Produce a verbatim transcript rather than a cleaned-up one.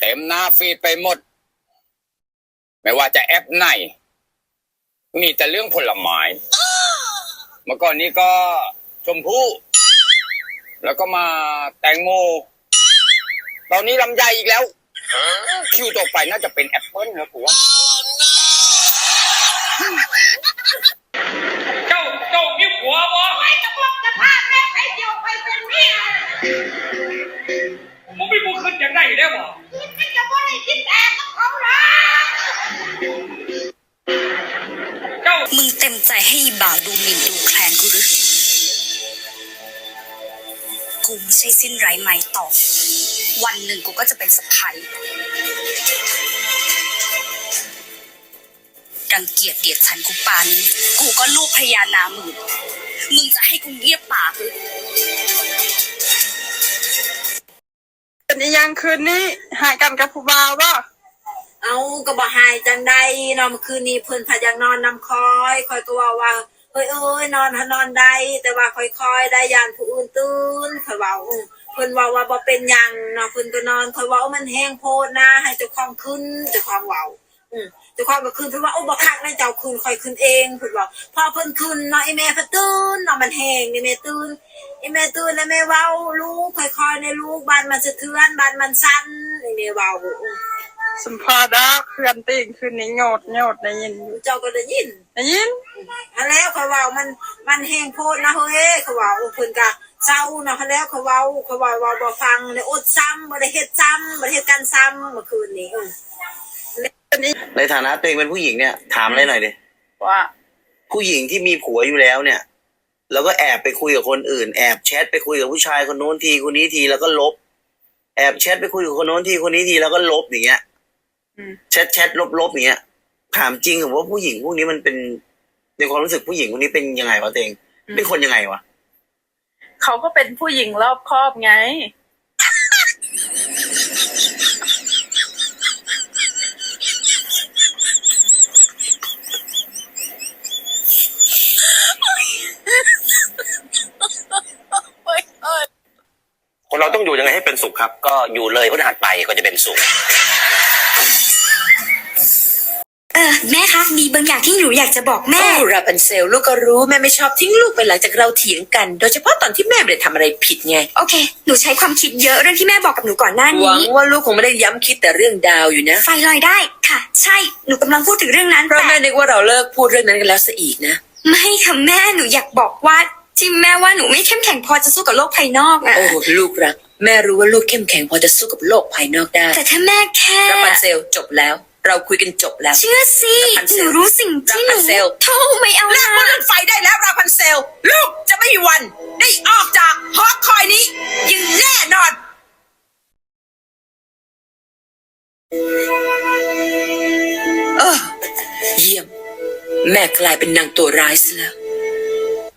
ต็มหน้าฟีดไปหมดไม่ว่าจะแอปไหนมีแต่เรื่องผลไม้เมื่อก่อนนี้ก็ชมพู่แล้วก็มาแตงโมตอนนี้ลำไยอีกแล้วคิวต่อไปน่าจะเป็นแอปเปิ้ลนะผัวเจ้าเจ้ามีผัวบ่ไอ้ตะบอกจะพาแม่ไปเดียวไปเป็นเมียมึงไม่บุกขึ้นอย่างไรได้บ่คิดไม่จะบ่ได้คิดแต่กับเขาหรอเจ้ามึงเต็มใจให้บ่าวดูหมิ่นดูแคลนกูหรือกูไม่ใช่สิ้นไร้ไม้ต่อวันหนึ่งกูก็จะเป็นสะใภ้รังเกียจเดียดฉันกูปานกูก็ลูกพญานามึงมึงจะให้กูเงียบปากหรือเป็นยังคืนนี้หายกันกับผู้บ่าวบ่เอาก็บ่หายจังได้นอนเมื่อคืนนี้เพิ่นพายังนอนนำคอยคอยก็ว่าว่าเฮ้ยเอ้ยนอนหานอนได้แต่ว่าค่อยๆได้ยานผู้อื่นตื่นคอยเว้าเพิ่นว่าว่าบ่เป็นหยังเนาะเพิ่นก็นอนคอยเว้ามันแห้งโพดนะให้เจ้าของขึ้นเจ้าของเว้าอือเจ้าของก็ขึ้นเพิ่นว่าโอ้บ่คักนะเจ้าขึ้นค่อยขึ้นเองเพิ่นว่าพอเพิ่นขึ้นเนาะไอ้แม่ก็ตื่นเนาะมันแห้งนี่แม่ตื่นไอ้แม่ตื่นแล้วแม่เว้าลูกค่อยๆในลูกบ้านมันสะเทือนบ้านมันสั่นนี่แม่เว้าสมพอดอกเคลื่อนติ่งคืนนี้โยดโยดได้ยินเจ้าก็ได้ยินได้ยินอันแล้วเขาเว้ามันมันแห้งโพดนะเฮ้ยเขาเว้าเพิ่นก็เศร้าเนาะแล้วเขาเว้าเขาเว้าว่าบ่ฟังเลยอดซ้ำบ่ได้เฮ็ดซ้ำบ่ได้เฮ็ดกันซ้ำเมื่อคืนนี้เออในฐานะตัวเองเป็นผู้หญิงเนี่ยถามอะไรหน่อยดิว่าผู้หญิงที่มีผัวอยู่แล้วเนี่ยแล้วก็แอบไปคุยกับคนอื่นแอบแชทไปคุยกับผู้ชายคนโน้นทีคนนี้ทีแล้วก็ลบแอบแชทไปคุยกับคนโน้นทีคนนี้ทีแล้วก็ลบอย่างเงี้ยแชทแชทลบลบอย่างเงี้ยถามจริงเหรอว่าผู้หญิงพวกนี้มันเป็นในความรู้สึกผู้หญิงคนนี้เป็นยังไงวะตัวเองเป็นคนยังไงวะเขาก็เป็นผู้หญิงรอบคอบไงคนเราต้องอยู่ยังไงให้เป็นสุขครับก็อยู่เลยพฤหัสไปก็จะเป็นสุขเออแม่คะมีบางอย่างที่หนูอยากจะบอกแม่โอ้ราพันเซลลูกก็รู้แม่ไม่ชอบทิ้งลูกไปหลังจากเราเถียงกันโดยเฉพาะตอนที่แม่ไม่ได้ทำอะไรผิดไงโอเคหนูใช้ความคิดเยอะเรื่องที่แม่บอกกับหนูก่อนหน้าหวังนี้ว่าลูกคงไม่ได้ย้ำคิดแต่เรื่องดาวอยู่นะไฟลอยได้ค่ะใช่หนูกำลังพูดถึงเรื่องนั้นเพราะแม่นึกว่าเราเลิกพูดเรื่องนั้นกันแล้วซะอีกนะไม่ค่ะแม่หนูอยากบอกว่าที่แม่ว่าหนูไม่เข้มแข็งพอจะสู้กับโลกภายนอกอะโอ้ลูกรักแม่รู้ว่าลูกเข้มแข็งพอจะสู้กับโลกภายนอกได้แต่ถ้าแม่แค่ราพันเซลจบแล้วเราคุยกันจบแล้วเชื่อสิหนูรู้สิ่งที่หนูโธ่ไม่เอาเลิกพูดเรื่องไฟได้แล้วราพันเซลลูกจะไม่มีวันได้ออกจากหอคอยนี้อย่างแน่นอนเออเยี่ยมแม่กลายเป็นนางตัวร้ายซะแล้ว